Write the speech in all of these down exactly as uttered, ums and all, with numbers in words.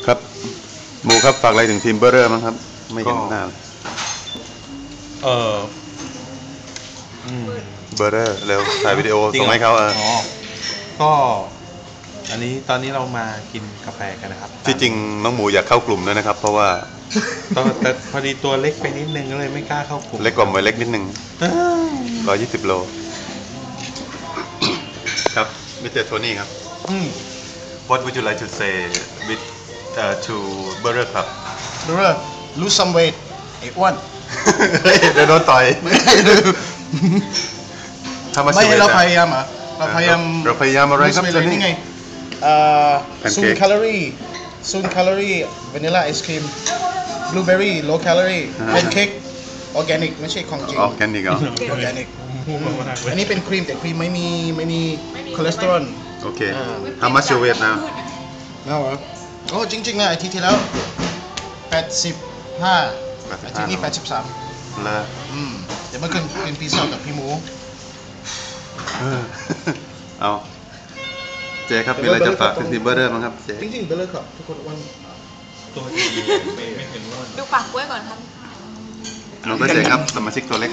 ครับหมูครับฝากอะไรถึงทีมเบอร์เรอร์มั้งครับไม่เห็นหน้าเออเบอร์เรอร์เร็วถ่ายวิดีโอส่งให้เขาเออก็อันนี้ตอนนี้เรามากินกาแฟกันนะครับที่จริงน้องหมูอยากเข้ากลุ่มด้วยนะครับเพราะว่าแต่พอดีตัวเล็กไปนิดนึงก็เลยไม่กล้าเข้ากลุ่มเล็กกว่าหมวยเล็กนิดนึงร้อยยี่สิบโลครับมิสเตอร์โทนี่ครับ What would you like to say with uh, to Burger Club Burger lose some weight ไอ้อ้วนเดี๋ยวโดนต่อยไม่เราพยายามอ่ะเราพยายามเราพยายามอะไรครับตอนนี้ไงศูนย์แคลอรี่ศูนย์แคลอรี่วานิลลาไอศครีมบลูเบอร์รี่ low calorie เป็นเค้กออร์แกนิกไม่ใช่ของจริงออร์แกนิกเหรอออร์แกนิกอันนี้เป็นครีมแต่ครีมไม่มีไม่มีคอเลสเตอรอลโอเค How much you weigh now น่าเหรอโอ้จริงๆนะอาทิตย์ที่แล้วแปดสิบห้าอาทิตย์นี้แปดสิบสามเลยอืมเดี๋ยวมากินกินพิซซ่ากับพี่หมูเอาเจ๊ครับมีอะไรจะฝากถึงทีมเบอร์เรอร์มั้งครับเจ๊จริงๆเบอร์เรอร์ครับทุกคนวันตัวดีไม่ไม่เห็นว่าดูปากกล้วยก่อนครับน้องก็เจ๊ครับสมาชิกตัวเล็ก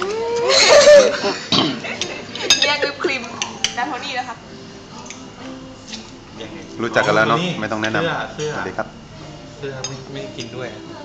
แยกวิปครีมดาโทนี่นะครับรู้จักกันแล้วเนาะไม่ต้องแนะนำเสื้อสวัสดีครับเสื้อไม่ไม่กินด้วย